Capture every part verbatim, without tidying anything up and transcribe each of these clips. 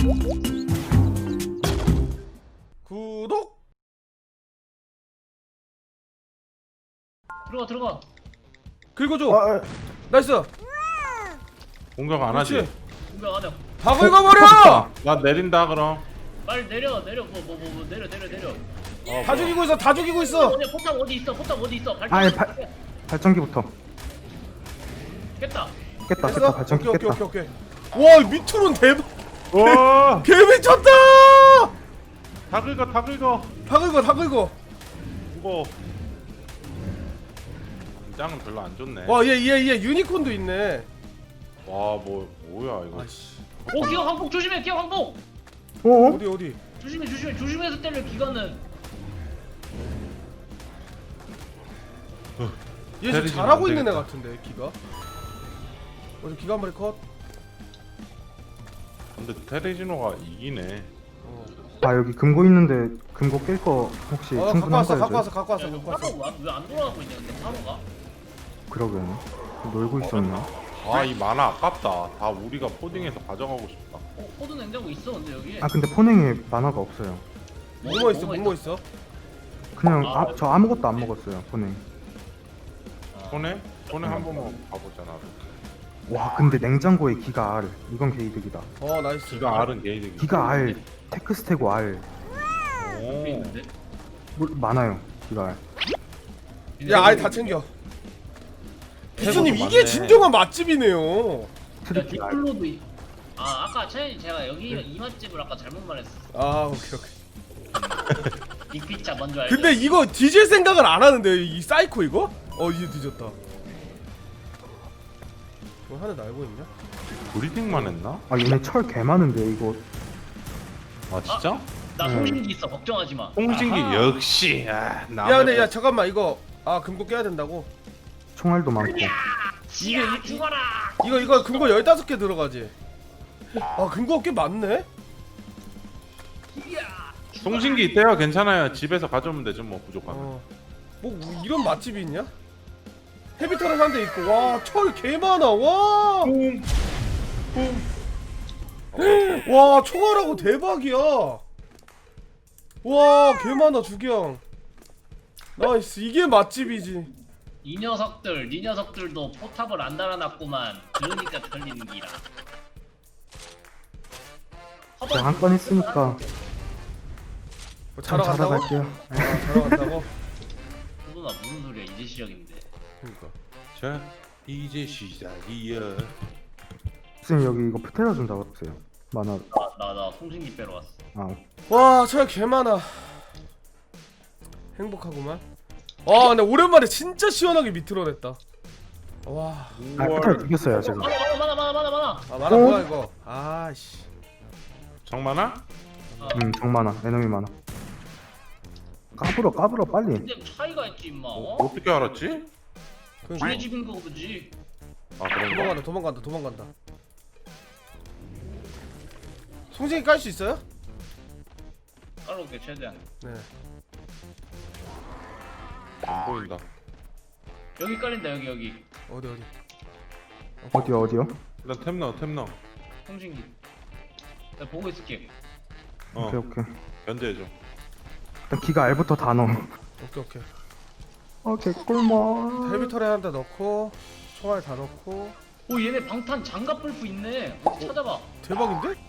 구독. 들어가 들어가. 긁어줘. 아, 아, 나이스. 공격 안 그렇지. 하지? 공격 안 해. 다 긁어버려. 나 내린다 그럼. 빨리 내려 내려 뭐 뭐 뭐 내려 내려 내려. 어, 다 뭐야. 죽이고 있어. 다 죽이고 있어. 어디 포탑 어디 있어? 포탑 어디 있어? 발전. 아예 발 발전기부터 깼다. 깼다 됐어? 깼다 발전기 오케이, 깼다. 오케이, 오케이, 오케이. 와, 밑으로는 대박. 와, 개 미쳤다. 다 긁어, 다 긁어. 다 긁어, 다 긁어. 이거 장은 별로 안 좋네. 와, 얘, 얘, 얘 유니콘도 있네. 와, 뭐 뭐야 이거? 아이씨. 오 기어 항복 조심해 기어 항복. 어? 어디, 어디? 조심해 조심해 조심해서 때려 기관은. 얘 지금 때리지면 잘하고 안 있는 애 되겠다. 같은데, 기가. 어디 기가 한 마리 컷. 근데 테레지노가 이기네. 어, 아 여기 금고 있는데 금고 깰 거 혹시 어 갖고 왔어, 갖고 왔어, 충분한가요? 갖고 왔어, 야, 갖고 이거 왔어. 파로가 왜안 돌아가고 있는데 파로가? 그러게요. 놀고 있었나? 아, 이 만화 아깝다. 다 우리가 포딩해서 가져가고 싶다. 어 포도 냉장고 있어 근데 여기. 아 근데 포냉에 만화가 없어요. 뭐뭐 있어, 뭐뭐 있어? 그냥 아, 아, 저 아무것도 안 먹었어요 포냉. 손에? 손에 한 번만 가보잖아. 와 근데 냉장고에 기가 R 이건 개이득이다. 어, 나이스. 기가 R은 게이득이. 기가 R 테크스테고 R 오. 여기 있는데? 뭐, 많아요 기가 R. 야, 아예 다 챙겨. 비수님, 해보고 이게 많네. 진정한 맛집이네요. 야 트리키 R. 디플로도 있. 아 아까 차이 제가 여기 이 맛집을 아까 잘못 말했어. 아, 오케이, 오케이. 빅피차 먼저 알죠. 근데 이거 뒤질 생각을 안 하는데, 이 사이코 이거? 어, 이제 뒤졌다. 뭐 하나 날고 있냐? 브리딩만 했나? 아 얘네 철 개 많은데 이거. 아 진짜? 나 음. 송신기 있어 걱정하지 마. 홍신기 아하. 역시. 아, 야, 근데 야, 잠깐만, 이거. 아, 금고 깨야 된다고? 총알도 많고. 이게 이게 이- 죽어라. 이거, 이거 금고 열다섯 개 들어가지? 아, 금고가 꽤 많네? 이야. 송신기 있대요. 괜찮아요. 집에서 가져오면 되죠. 뭐 부족하면. 어. 뭐, 이런 맛집이 있냐? 헤비터를 한 대 있고, 와, 철 개 많아, 와! 와, 총알하고 대박이야! 와, 개 많아, 주경. 나이스, 이게 맛집이지. 이 녀석들, 이 녀석들도 포탑을 안 달아놨구만. 그러니까 털리는 기라. 제가 한 건 했으니까 뭐 참 자러 자러 간다고? 갈게요. 아, 자러 간다고? 소도나 무슨 소리야? 이제 시작인데. 그니까. 자, 이제 시작이야. 선생님 여기 이거 프테라 좀 잡아주세요. 만화. 나 나 나 송신기 빼러 왔어. 아 와, 철 개 많아. 행복하구만. 와, 근데 오랜만에 진짜 시원하게 밑으로 냈다. 와. 아, 프테라 죽였어요 제가. 많아 많아 많아 많아 많아. 아, 많아, 어? 뭐야, 이거. 아씨. 정만아? 음, 정 많아. 에너미 많아. 까불어, 까불어, 빨리. 근데 차이가 있지 임마. 어? 어? 어떻게 알았지? 우리 집인 거 보지. 아 그런가? 도망간다, 도망간다, 도망간다. 송진이 깔 수 있어요? 깔아올게 최대한. 네. 안 보인다. 여기 깔린다 여기 여기. 어디, 어디. 어디요, 어디요? 일단 템 넣어, 템 넣어. 송신기. 나 보고 있을게. 어, 오케이, 오케이. 견제해줘. 일단 기가 R부터 다 넣어. 오케이, 오케이. 어, 개꿀맛. 헤비털에 한 대 넣고, 총알 다 넣고. 오 얘네 방탄 장갑 불프 있네. 어디 찾아봐. 대박인데?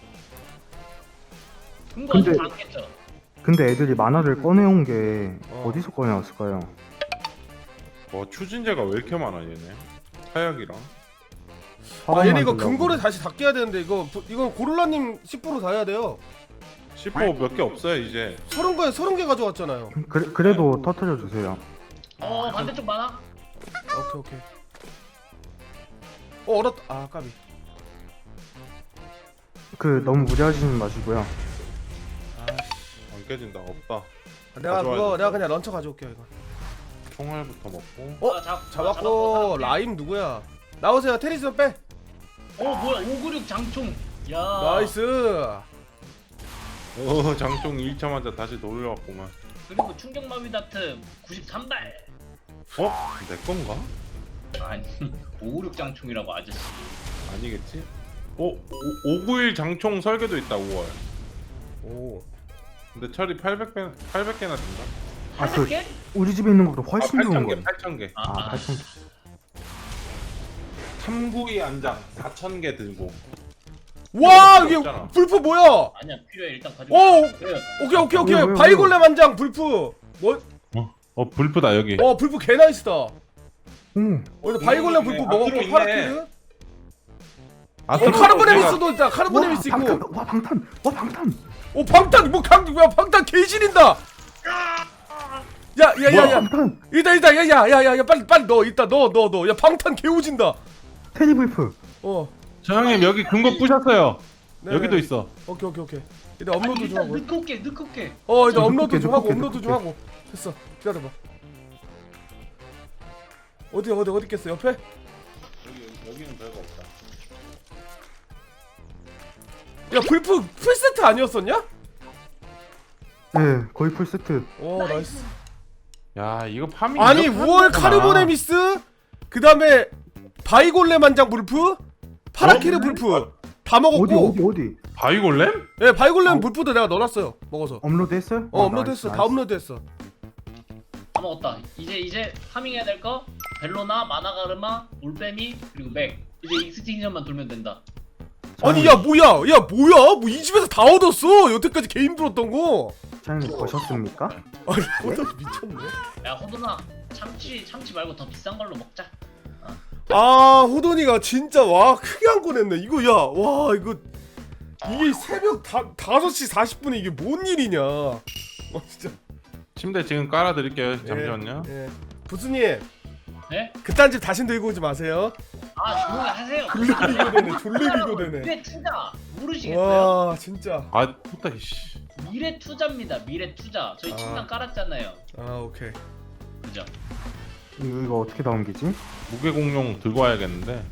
금고 근데- 아직 안 깼죠? 근데 애들이 만화를 꺼내온 게 어. 어디서 꺼내왔을까요? 와, 추진제가 왜 이렇게 많아 얘네? 하약이랑. 아, 얘네 이거 만들려고. 금고를 다시 다 깨야 되는데, 이거, 이건 고릴라님 십 퍼센트 다 해야 돼요. 십오 몇 개 없어요 이제. 서른 개, 서른 개 가져왔잖아요. 그래, 그래도 터트려 주세요. 어 반대쪽 많아? 오케이, 오케이. 어, 얼었다. 아, 까비. 그 너무 무리하시는 마시고요. 안 깨진다. 없다. 내가 가져와야 그거, 돼. 내가 그냥 런처 가져올게요, 이거. 총알부터 먹고. 어? 아, 잡, 잡았고, 라 라임 누구야? 나오세요, 테리스 빼. 어 뭐야 오구육 장총. 야. 나이스. 어, 장총 일 차 맞아 다시 돌려왔구만. 그리고 충격마비 다트 구십삼 발. 어? 내 건가? 아니 오구육 장총이라고 아저씨. 아니겠지? 오, 오구일 장총 설계도 있다 오월. 오. 근데 철이 팔백 개 팔백 개나 된다. 아, 그 개? 우리 집에 있는 것보다 훨씬 아, 좋은 팔천 개, 거예요. 팔천 개. 아, 아, 아. 팔천 개. 참구이 안장 사천 개 들고. 와 이게 없잖아. 불프 뭐야? 아니야 필요해 일단 가지고. 오 그래. 오케이 오케이 오케이 왜요, 왜요, 바이골렘 한 장 불프. 뭐? 어, 어 불프다 여기. 어 불프 개 나이스다. 오. 어디 바이골렘 불프 아, 먹었고 들어있네. 파라키드. 아, 어 들어가. 카르보네미스도 있다. 와, 카르보네미스 방탄. 있고. 와, 방탄. 와, 방탄. 오 방탄 뭐강 뭐야 방탄 개지린다. 야야야야. 방탄. 이다 이다 야야야야 빨리 빨리 넣어 이따 넣어 넣어 넣어. 야 방탄 개오진다. 테디 불프. 어. 저 형님 여기 금고 부셨어요. 네, 여기도 네. 있어. 오케이 오케이 오케이. 일단 업로드 좀 일단 하고. 넣고 올게 넣고 올게. 어 일단 좀 업로드 늦게, 좀 하고 늦게, 업로드 좀 늦게. 하고. 됐어. 기다려봐. 어디 어디 어디 있겠어 옆에? 여기 여기는 별거 없다. 야 불프 풀 세트 아니었었냐? 네, 거의 풀 세트. 오 나이스. 야 이거 파밍. 아니 이렇게 우월 하는구나. 카르보네미스 그 다음에 바이골렘 한장 불프 파라키르 불프 다 어디 먹었고. 어디 어디? 바이골렘? 예 바이골렘 불프도 내가 넣어놨어요 먹어서. 업로드 했어요? 어 아, 업로드했어. 나이스, 다 나이스. 업로드했어. 다 먹었다. 이제 이제 파밍해야 될 거 벨로나 마나가르마 올빼미 그리고 맥. 이제 익스팅션만 돌면 된다. 아니 야 뭐야 야 뭐야 뭐 이 집에서 다 얻었어 여태까지 개인 불었던 거. 사장님 보셨습니까? 아니 호돈 미쳤네. 야 호돈아 참치 참치 말고 더 비싼 걸로 먹자. 아 호돈이가 진짜 와 크게 안 꺼냈네 이거. 야 와 이거 이게 새벽 다, 다섯 시 사십 분에 이게 뭔 일이냐. 어 진짜. 침대 지금 깔아드릴게요. 잠시만요. 예, 예. 부스님 네? 그딴 집 다신 들고 오지 마세요. 아 조용히 하세요. 졸래 비교되네 졸래 비교되네. 미래 투자 모르시겠어요? 와 진짜. 아 puta 씨. 미래 투자입니다. 미래 투자. 저희 아. 침낭 깔았잖아요. 아 오케이. 그죠? 이거, 이거 어떻게 넘기지? 무게 공룡 들고 와야겠는데.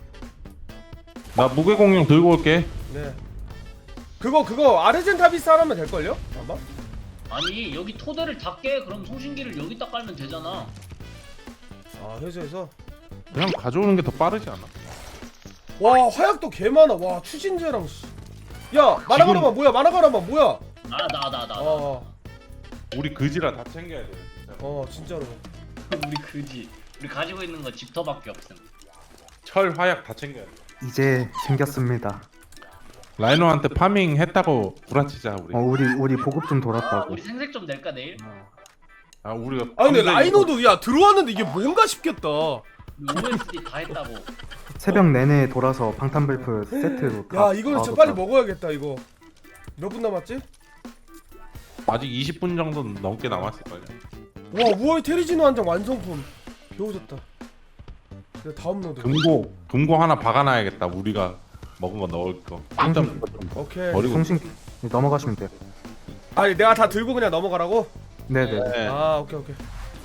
나 무게 공룡 들고 올게. 네. 그거 그거 아르젠타비스 하나면 될 걸요? 아마. 아니 여기 토대를 다 깨. 그럼 송신기를 여기다 깔면 되잖아. 아 회사에서. 그냥 가져오는 게 더 빠르지 않아? 와 화약도 개 많아. 와 추진제랑. 씨. 야 마나가라마 뭐야? 마나가라마 뭐야? 아 나 나 나. 나. 어, 우리 그지라 다 챙겨야 돼. 진짜. 어 진짜로. 우리 그지. 우리 가지고 있는 거 집터밖에 없음. 철 화약 다 챙겨야 돼. 이제 생겼습니다. 라이노한테 파밍 했다고 구라치자 우리. 어, 우리 우리 보급 좀 아, 돌았다고. 우리 생색 좀 낼까 내일? 아 우리가. 아 근데 밤새 라이노도 야 들어왔는데 이게 뭔가 싶겠다. 우리 오에스디 다 했다고. 새벽 내내 돌아서 방탄 불프 세트로 다. 야 이거는 다 진짜 빨리 얻었다. 먹어야겠다 이거. 몇 분 남았지? 이거 아직 이십 분 정도 넘게 남았을 거야. 와 우월 테리지노 한 장 완성품. 배우졌다. 그래 다음 노드. 금고 금고 하나 박아놔야겠다. 우리가 먹은 거 넣을 거. 송신 오케이. 버리고. 송신 넘어가시면 돼요. 아니 내가 다 들고 그냥 넘어가라고? 네네. 네. 아 오케이 오케이.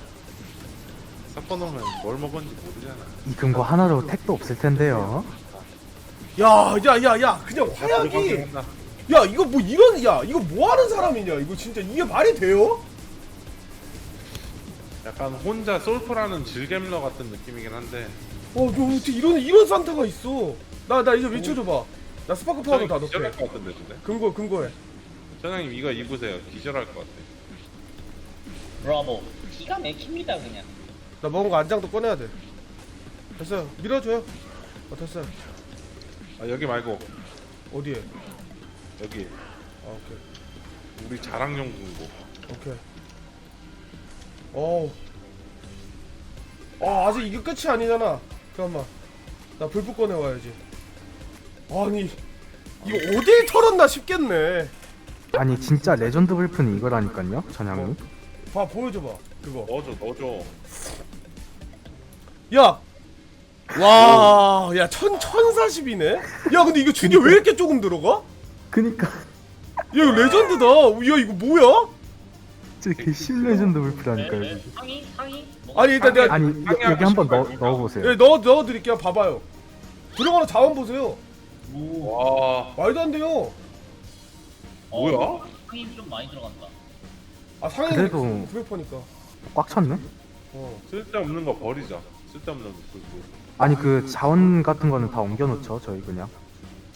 섞어놓으면 뭘 먹었는지 모르잖아. 이 금고 하나로 택도 없을 텐데요. 야야야야 그냥 화약이. 들어가긴 한다. 야 이거 뭐 이런 야 이거 뭐 하는 사람이냐 이거 진짜 이게 말이 돼요? 약간 혼자 솔프라는 질겜러 같은 느낌이긴 한데. 어, 너 어떻게 이런 이런 산타가 있어? 나 나 이제 미쳐줘봐. 나 스파크 파우더 다 기절할 넣게. 것 같은데 근데. 근거 근거해. 전장님 이거 입으세요. 기절할 것 같아. 브라보. 기가 막힙니다 그냥. 나 먹은 거 안장도 꺼내야 돼. 됐어요. 밀어줘요. 어 됐어요. 아 여기 말고 어디에? 여기 아 오케이 우리 자랑용 금고. 오케이. 어우. 어 아직 이게 끝이 아니잖아. 잠깐만. 나 불빛 꺼내 와야지. 아니 이거 어디에 털었나 싶겠네. 아니 진짜 레전드 불프는 이거라니까요, 전향님. 봐 보여줘봐 그거. 넣어줘 넣어줘. 야! 와, 야, 천, 천사십이네? 야, 근데 이거 중에 왜 이렇게 조금 들어가? 그니까 야, 이거 레전드다. 야, 이거 뭐야? 진짜 개심 레전드 불프라니까요. 네, 이게. 네. 상의 상의. 뭐, 아니, 일단 내가, 아니 여, 여기 한번 넣어 넣어보세요. 예, 넣어, 넣어드릴게요. 봐봐요. 들어가는 자원 보세요. 오. 와 말도 안 돼요. 뭐야? 어, 상의 좀 많이 들어간다. 아, 상해 그래도- 구백 퍼니까. 꽉 찼네. 어. 쓸데없는 거 버리자. 쓸데없는 거. 그- 아니 그 자원 같은 거는 다 옮겨놓죠, 저희 그냥.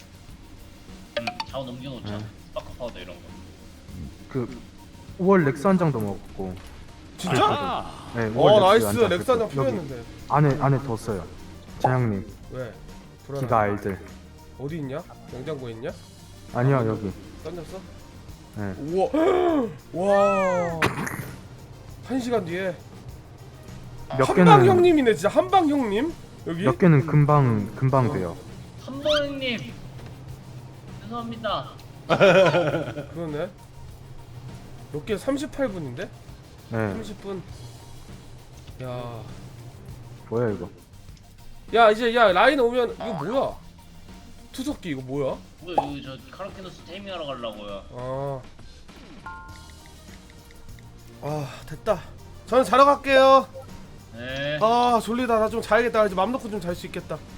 자원 넘겨놓자. 네. 스파크 파우더 이런 거. 그 오월 렉스 한 장도 먹었고. 진짜? 네, 어 오월 나이스 한 장. 렉스 한 장 여기 필요했는데. 안에 안에 뒀어요. 재영님 왜? 불안하네. 기가 알들. 어디 있냐? 냉장고에 있냐? 아니요 여기. 던졌어? 네. 우와 와. 한 시간 뒤에 몇 한방 개는 형님이네 진짜 한방 형님 여기. 몇 개는 금방 금방 돼요. 한번님 죄송합니다. 그러네. 몇 개 삼십팔 분인데? 네. 삼십 분. 야. 뭐야 이거? 야 이제 야 라인 오면 이거 뭐야? 투석기 이거 뭐야? 뭐야 이거 저 카라키노스 테이밍하러 가려고요. 아. 아 됐다. 저는 자러 갈게요. 네. 아 졸리다. 나 좀 자야겠다. 이제 맘 놓고 좀 잘 수 있겠다.